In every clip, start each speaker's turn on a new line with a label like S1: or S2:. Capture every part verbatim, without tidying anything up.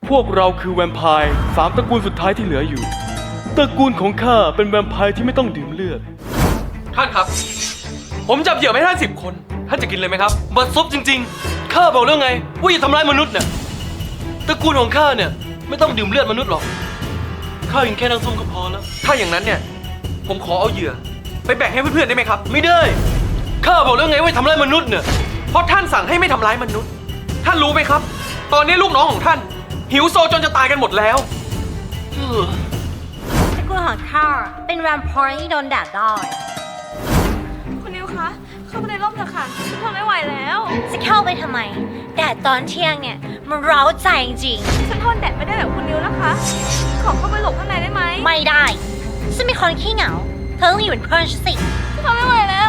S1: พวกเราคือแวมไพร์สามตระกูลสุดท้ายที่เหลืออยู่ตระกูลของข้าเป็นแวมไพร์ที่ไม่ต้องดื่มเลือดท่านครับผมจับเหยื่อไม่ท่านสิบคนท่านจะกินเลยไหมครับบัดซบจริงๆข้าบอกแล้วไงว่าอย่าทำร้ายมนุษย์เนี่ยตระกูลของข้าเนี่ยไม่ต้องดื่มเลือดมนุษย์หรอกข้ากินแค่น้ำส้มก็พอแล้วถ้าอย่างนั้นเนี่ยผมขอเอาเหยื่อไปแบ่งให้เพื่อนๆได้ไหมครับไม่ได้ข้าบอกแล้วไงว่าทำร้ายมนุษย์เนี่ยเพราะท่านสั่งให้ไม่ทำร้ายมนุษย์ท่านรู้ไหมครับตอนนี้ลูกน้องของท่านหิวโซจนจะตายกันหมดแล้ว
S2: ตระกูลของข้าเป็นแวมไพร์ที่โดนแดดได้
S3: คุณนิวคะเข้าไปในร่มเถอะค่ะฉันทนไม่ไหวแล้ว
S2: จะเข้าไปทำไมแดดตอนเที่ยงเนี่ยมันเร้าใจจริง
S3: ฉันทนแดดไม่ได้แบบคุณนิวนะคะขอเข้าไปหลบข้างในได้ไหม
S2: ไม่ได้ฉันเป็นคนขี้เหงาเธอต้องอยู่เป็นเพื่อนฉันสิ
S3: ฉันทนไม่ไหวแล้ว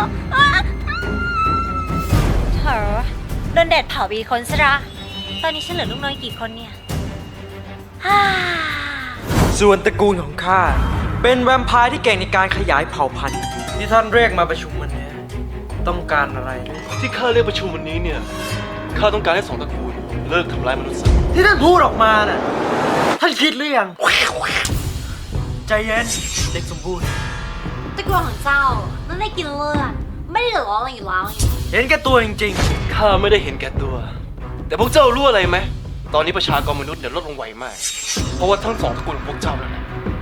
S2: เธอโดนแดดเผาไปคนซะละตอนนี้ฉันเหลือลูกน้อยกี่คนเนี่ย
S4: ส่วนตระกูลของข้าเป็นแวมไพร์ที่เก่งในการขยายเผ่าพันธุ์ที่ท่านเรียกมาประชุมวันนี้ต้องการอะไร
S1: ที่ข้าเรียกประชุมวันนี้เนี่ยข้าต้องการให้สองตระกูลเลิกทำร้ายมนุษย์ซะ
S4: ที่ท่านพูดออกมาน่ะท่านคิดหรือยังใจเย็นเด็กสมบูรณ์
S2: ตระกูลของเจ้านั่นได้กินเลือดไม่ได้เหลืออะไรอยู่แล้ว
S4: เห็นแก่ตัวจริง
S1: ๆข้าไม่ได้เห็นแก่ตัวแต่พวกเจ้ารู้อะไรไหมตอนนี้ประชากรมนุษย์เนี่ยลดลงไวมากเพราะว่าทั้งสองตระกูลของพวกเจ้านั่นแหละ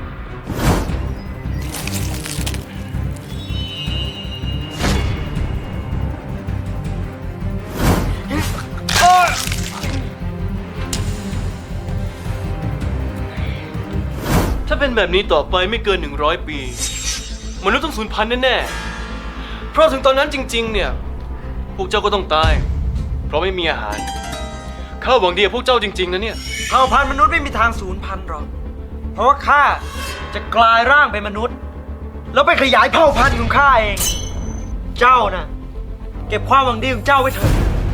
S1: ถ้าเป็นแบบนี้ต่อไปไม่เกินหนึ่งร้อยปีมนุษย์ต้องสูญพันธุ์แน่ๆเพราะถึงตอนนั้นจริงๆเนี่ยพวกเจ้าก็ต้องตายเพราะไม่มีอาหารข้าหวังดีกับพวกเจ้าจริงๆนะเนี่ย
S4: เผ่าพันธุ์มนุษย์ไม่มีทางสูญพันธุ์หรอกเพราะว่าข้าจะกลายร่างเป็นมนุษย์แล้วไปขยายเผ่าพันธุ์ของข้าเองเจ้าน่ะเก็บความหวังดีของเจ้าไว้เถอะ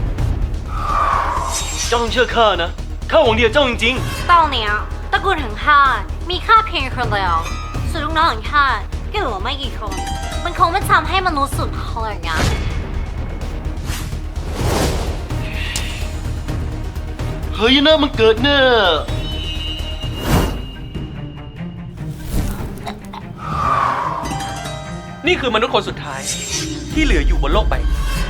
S1: เจ้าต้องเชื่อข้านะข้าหวังดีกับเจ้าจริง
S2: ๆตอนนี้ตระกูลของข้ามีค่าเพียงคนเดียวส่วนลูกน้องของข้าก็เหลือไม่กี่คนมันคงไม่ทำให้มนุษย์สูญพันธุ์อย่างนั้น
S1: เฮ้ยนะมันเกิดเนอะนี่คือมนุษย์คนสุดท้ายที่เหลืออยู่บนโลกใบ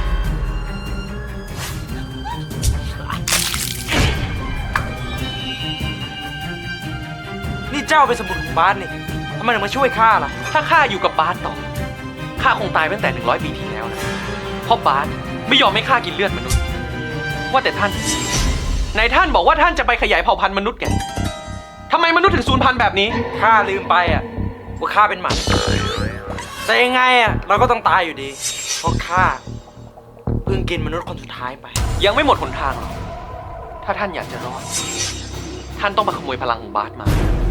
S4: นี่เจ้าเป็นสมุนของบาสนี่ทำไมถึงมาช่วยข้าล่ะ
S1: ถ้าข้าอยู่กับบาสต่อข้าคงตายตั้งแต่หนึ่งร้อยปีที่แล้วนะเพราะบาสไม่ยอมให้ข้ากินเลือดมนุษย์ว่าแต่ท่านไหนท่านบอกว่าท่านจะไปขยายเผ่าพันธุ์มนุษย์แกทำไมมนุษย์ถึงสูญพันธุ์แบบนี้
S4: ข้าลืมไปอ่ะว่าข้าเป็นหมันแต่ยังไงอ่ะเราก็ต้องตายอยู่ดีเพราะข้าเพิ่งกินมนุษย์คนสุดท้ายไป
S1: ยังไม่หมดหนทางหรอกถ้าท่านอยากจะรอดท่านต้องมาขโมยพลังของบาสมา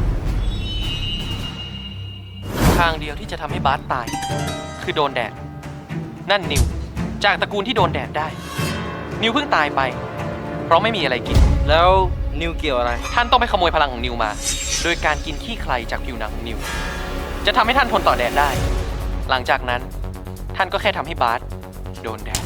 S1: ทางเดียวที่จะทำให้บาสตายคือโดนแดดนั่นนิวจากตระกูลที่โดนแดดได้นิวเพิ่งตายไปเพราะไม่มีอะไรกิน
S4: แล้วนิวเกี่ยวอะไร
S1: ท่านต้องไปขโมยพลังของนิวมาโดยการกินขี้ใครจากผิวหนังของนิวจะทำให้ท่านทนต่อแดดได้หลังจากนั้นท่านก็แค่ทำให้บาสโดนแดด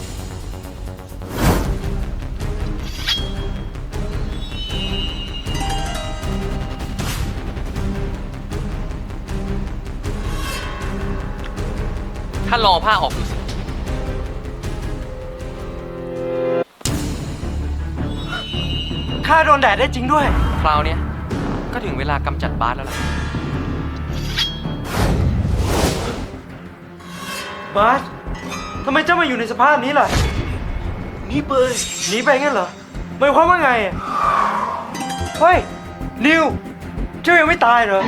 S1: ท่านลองผ้าออกดูสิ
S4: ข้าโดนแดดได้จริงด้วย
S1: คราวนี้ก็ถึงเวลากำจัดบาสแล้วล่ะ
S4: บาสทำไมเจ้ามาอยู่ในสภาพนี้ล่ะ
S1: หนีไป
S4: หนีไปงั้นเหรอหมายความว่าไงเฮ้ยนิวเจ้ายังไม่ตายเหรอ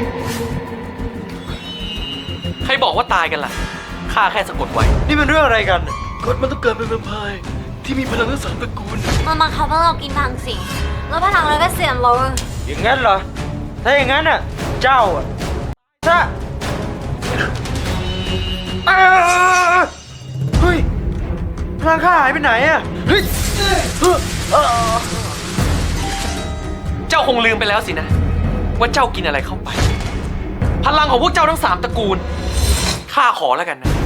S1: ใครบอกว่าตายกันล่ะข้าแค่สะกดไว้
S4: นี่เป็นเรื่องอะไรกัน
S1: กฎมันต้องเกิดเป็นแวมไพร์ที่มีพลังทั้งสามตระกูล
S2: มันบังคับให้เรากินพังสิแล้วพลังเราก็เสื่อมลง
S4: อย่างงั้นเหรอถ้าอย่างงั้นน่ะเจ้าอ่ะถ้าเฮ้ยพลังข้าหายไปไหนอ่ะเฮ้ย
S1: เจ้าคงลืมไปแล้วสินะว่าเจ้ากินอะไรเข้าไปพลังของพวกเจ้าทั้งสามตระกูลข้าขอแล้วกันนะ